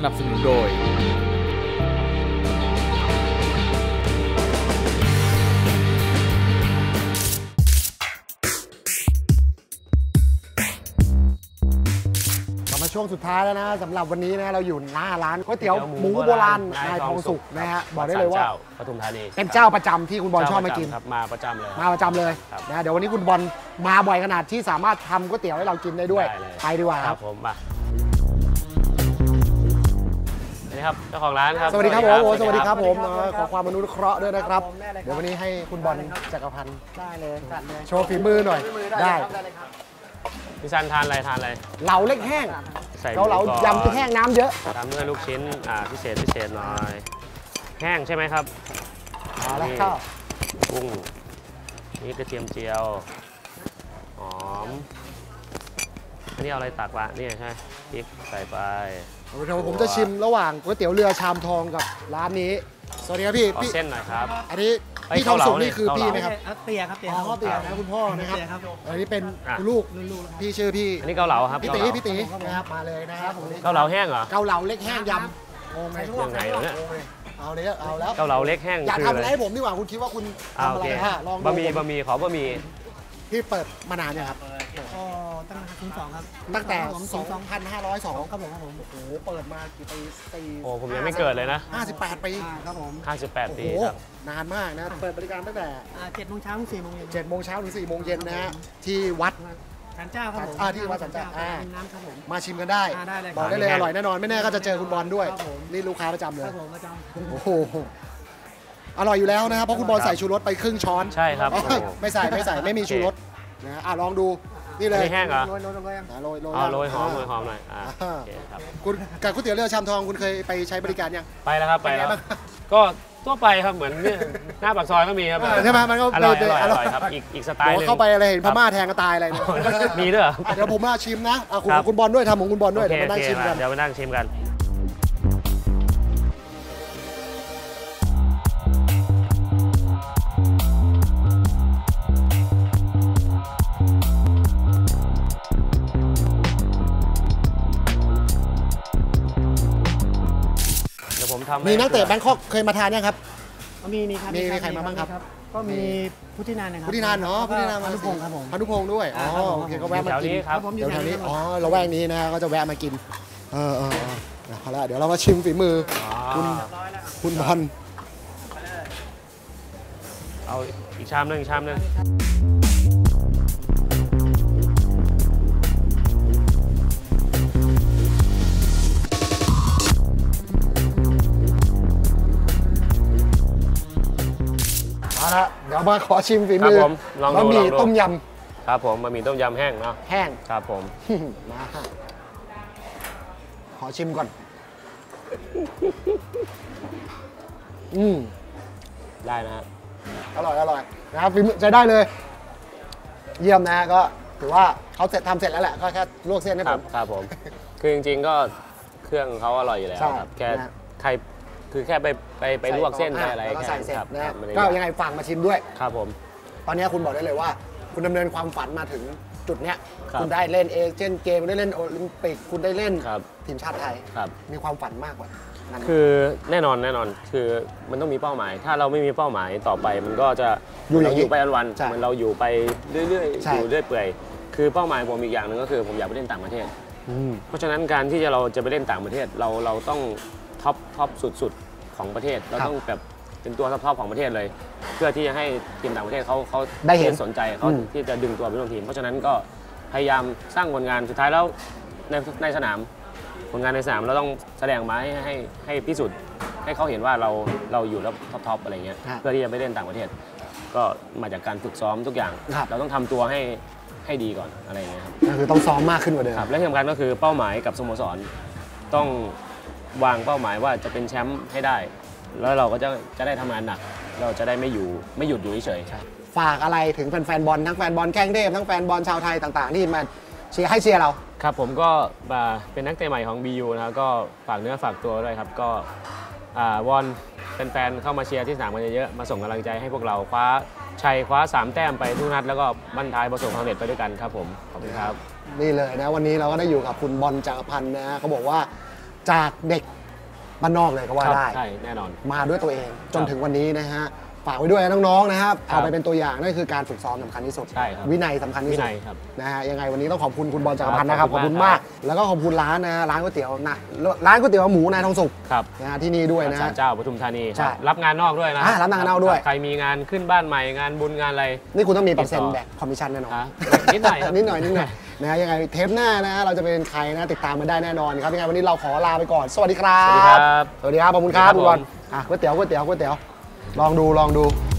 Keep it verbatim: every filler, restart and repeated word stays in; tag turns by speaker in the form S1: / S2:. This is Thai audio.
S1: นับสนุนโดย
S2: ช่วงสุดท้ายแล้วนะสำหรับวันนี้นะเราอยู่หน้าร้านก๋วยเตี๋ยวหมูโบราณนายทองสุกนะฮะบอกได้เลยว่า
S3: ปทุมธานี
S2: เป็นเจ้าประจำที่คุณบอลชอบมากิน
S3: มาประจำเลย
S2: มาประจำเลยนะเดี๋ยววันนี้คุณบอลมาบ่อยขนาดที่สามารถทำก๋วยเตี๋ยวให้เรากินได้ด้วยไปดีกว่าครับ
S3: ผมมาสวัสดีครับเจ้าของร้านครับ
S2: สวัสดีครับผมสวัสดีครับผมขอความอนุเคราะห์ด้วยนะครับเดี๋ยววันนี้ให้คุณบอลจักรพันธ์ได้เลยโชว์ฝีมือหน่อยได้
S3: พี่ซันทานอะไรทานอะไร
S2: เหลาเล็กแห้งเราเหลายำแห้งน้ำเยอะ
S3: ตามด้วยลูกชิ้นอ่าพิเศษพิเศษหน่อยแห้งใช่ไหมครับ
S2: เอาละครับ
S3: กุ้งนี่กระเทียมเจียวหอมอันนี้เอาอะไรตักวะนี่ใช่พริกใส่ไป
S2: เดี๋ยวผมจะชิมระหว่างก๋วยเตี๋ยวเรือชามทองกับร้านนี้สวัสดีครับพี่
S3: พี่เส้นหน่อยครับ
S2: อันนี้พี่ทองสุกนี่คือพี่ไหมครับ
S4: เตี๋ยครับเตี๋ย
S2: อ๋อเตี๋ยนะคุณพ่อนะครับอันนี้เป็นลูกพี่ชื่อพี่
S3: อันนี้เกาเหลาครับ
S2: พี่ตีพี่ตีนะครับมาเลยนะครับ
S3: เกาเหลาแห้งเหรอ
S2: เกาเหลาเล็กแห้งยำ
S3: งงไหมยังไงเนี่ย
S2: เอาเลยเอาแล้ว
S3: เกาเหลาเล็กแห้ง
S2: อย่าทำอะไรให้ผมดีกว่าคุณคิดว่าคุณทำอะไรฮะลอง
S3: บะหมี่บะหมี่ขอบะหมี่
S2: ที่เปิดมานานเนี่ยครับ
S4: ก็ตั้งแต่ศูนย์สองครับ
S2: ตั้งแต่สองพันห้าร้อยสองครับผมโอ้โหเปิดมากี่ปีสี่
S3: โอ้ผมยังไม่เกิดเลยนะ
S2: ห้าสิบแปดปี
S4: ครับผม
S3: ห้าสิบแปดปีครับ
S2: นานมากนะเปิดบริการตั้งแต่
S4: เจ็ดโมงเช้าถึงสี่โมงเย็น
S2: เจ็ดโมงเช้าถึงสี่โมงเย็นนะฮะที่วัด
S4: ศาลเจ้าครับผม
S2: ที่วัดศาลเจ้า
S4: น้ำครับผม
S2: มาชิมกันได้บอกได้เลยอร่อยแน่นอนไม่แน่ก็จะเจอคุณบอลด้วยนี่ลูกค้าประจำเลยโอ้โหอร่อยอยู่แล้วนะครับเพราะคุณบอลใส่ชูรสไปครึ่งช้อน
S3: ใช่ครับ
S2: ไม่ใส่ไม่ใส่ไม่มีชูรสนะอ่ะลองดูนี่เลย
S3: แห้งเหรอ
S2: โรยโรยโรยโรย
S3: โรยหอมโรยหอมหน่อยอ่า
S2: คุณกับก๋วยเตี๋ยวเรือชามทองคุณเคยไปใช้บริการยัง
S3: ไปแล้วครับไปแล้วก็ทั่วไปครับเหมือนหน้าปากซอยก็มีครับ
S2: ใช่ไหมมันก็
S3: อร่อยอร่อยครับอีกอีกสไตล์นึง
S2: เข้าไปอะไรเห็นพม่าแทงก็ตายอะไร
S3: มีด้วย
S2: เดี๋ยวผมมาชิมนะคุณคุณบอลด้วยทำของคุณบอลด้วยเดี๋ยวมานั่งชิมกัน
S3: เดี๋ยวมานั่งชิมกัน
S2: มีนักเตะแบงคอกเคยมาทานยังครับ
S4: มีมีครับ
S2: มีใครมาบ้างครับ
S4: ก็มีพุทธินันนะครับ
S2: พุทธินันเนาะพุทธินัน
S4: พานุพงศ์ครับผม
S2: พานุพงศ์ด้วยอ๋อโอเคก็แวะมากินเดี๋ยวแถวนี้อ๋อเราแวกนี้นะก็จะแวะมากินเออเออเอาละเดี๋ยวเรามาชิมฝีมือคุณคุณบอล
S3: เอาอีกชามนึงชามนึง
S2: เอาละเดี๋ยวมาขอชิมฝีมือบะหมี่ต้มย
S3: ำครับผมบะหมี่ต้มยำแห้งเนาะ
S2: แห้ง
S3: ครับผม
S2: มาขอชิมก่อนอืม
S3: ได้นะฮะ
S2: อร่อยอร่อยนะครับฝีมือใช้ได้เลยเยี่ยมนะก็ถือว่าเขาเสร็จทำเสร็จแล้วแหละก็แค่ลวกเส้นให้ผม
S3: ครับผมคือจริงๆก็เครื่องเขาอร่อยอยู่แล้วครับแค่ใครคือแค่ไปไปไปลวกเส้นไปอะไร
S2: แค่ครับก็ยังไงฝากมาชิมด้วย
S3: ครับผม
S2: ตอนนี้คุณบอกได้เลยว่าคุณดำเนินความฝันมาถึงจุดเนี้ยคุณได้เล่นเอเชียนเกมได้เล่นโอลิมปิกคุณได้เล่นทีมชาติไทยมีความฝันมากกว่า
S3: คือแน่นอนแน่นอนคือมันต้องมีเป้าหมายถ้าเราไม่มีเป้าหมายต่อไปมันก็จะอยู่อยู่ไปวันๆเหมือนเราอยู่ไปเรื่อยๆอยู่เรื่อยเปื่อยคือเป้าหมายผมอีกอย่างหนึ่งก็คือผมอยากไปเล่นต่างประเทศเพราะฉะนั้นการที่เราจะไปเล่นต่างประเทศเราเราต้องท็อปท็อปสุดของประเทศเราต้องแบบเป็นตัวท็อปของประเทศเลยเพื่อที่จะให้ทีมต่างประเทศเขาเขา
S2: ได้เห็น
S3: สนใจเขาที่จะดึงตัวไปร่วมทีมเพราะฉะนั้นก็พยายามสร้างผลงานสุดท้ายแล้วในในสนามผลงานในสนามเราต้องแสดงมาให้ให้ให้พิสูจน์ให้เขาเห็นว่าเราเราอยู่แล้วท็อปอะไรเงี้ยเพื่อที่จะไปเล่นต่างประเทศก็มาจากการฝึกซ้อมทุกอย่างเราต้องทำตัวให้ให้ดีก่อนอะไรเงี้ยครับ
S2: ก็คือต้องซ้อมมากขึ้นกว่าเดิม
S3: และที่สำคัญก็คือเป้าหมายกับสโมสรต้องวางเป้าหมายว่าจะเป็นแชมป์ให้ได้แล้วเราก็จะจะได้ทำงานหนักเราจะได้ไม่อยู่ไม่หยุดอยู่เฉย
S2: ๆฝากอะไรถึงแฟนๆบอลทั้งแฟนบอลแข้งเทพทั้งแฟนบอลชาวไทยต่างๆที่มาเชียร์ให้เชียร์เรา
S3: ครับผมก็เป็นนักเตะใหม่ของ บี ยู นะครับก็ฝากเนื้อฝากตัวด้วยครับก็วอนแฟนๆเข้ามาเชียร์ที่สนามกันเยอะๆมาส่งกำลังใจให้พวกเราคว้าชัยคว้าสามแต้มไปทุกนัดแล้วก็บั้นท้ายประสบความสำเร็จไปด้วยกันครับผมขอบคุณครับ
S2: นี่เลยนะวันนี้เราก็ได้อยู่กับคุณบอลจักรพันธ์นะเขาบอกว่าจากเด็กบ้านนอกเลยก็ว่าได้
S3: ใช่แน่นอน
S2: มาด้วยตัวเองจนถึงวันนี้นะฮะฝากไว้ด้วยนะน้องๆนะครับเอาไปเป็นตัวอย่างนั่นคือการฝึกซ้อมสำคัญที่สุดวินัยสำคัญที่สุดนะฮะยังไงวันนี้ต้องขอบคุณคุณบอลจักรพันธ์นะครับขอบคุณมากแล้วก็ขอบคุณร้านนะร้านก๋วยเตี๋ยวนะร้านก๋วยเตี๋ยวหมูนายทองสุขนะฮะที่นี่ด้วยนะ
S3: ศาลเจ้าปทุมธานีรับงานนอกด้วยนะ
S2: รับงานนอกด้วย
S3: ใครมีงานขึ้นบ้านใหม่งานบุญงานอะไร
S2: นี่คุณต้องมีเปอร์เซ็นต์แบกคอมมิชชั่นแน่นอน
S3: นิดหน่อย
S2: นิดหน่อยนิดหน่อยนะยังไงเทปหน้านะเราจะเป็นใครนะติดตามมาได้แน่นอนครับยังไงวันนี้เราขอลาไปก่อนสวัสดีครับ
S3: สวัสดีครับ
S2: สวัสดีครับขอบคุณครับคุณบอลอ่ะก๋วยเตี๋ยวก๋วยเตี๋ยวก๋วยเตี๋ยวลองดูลองดู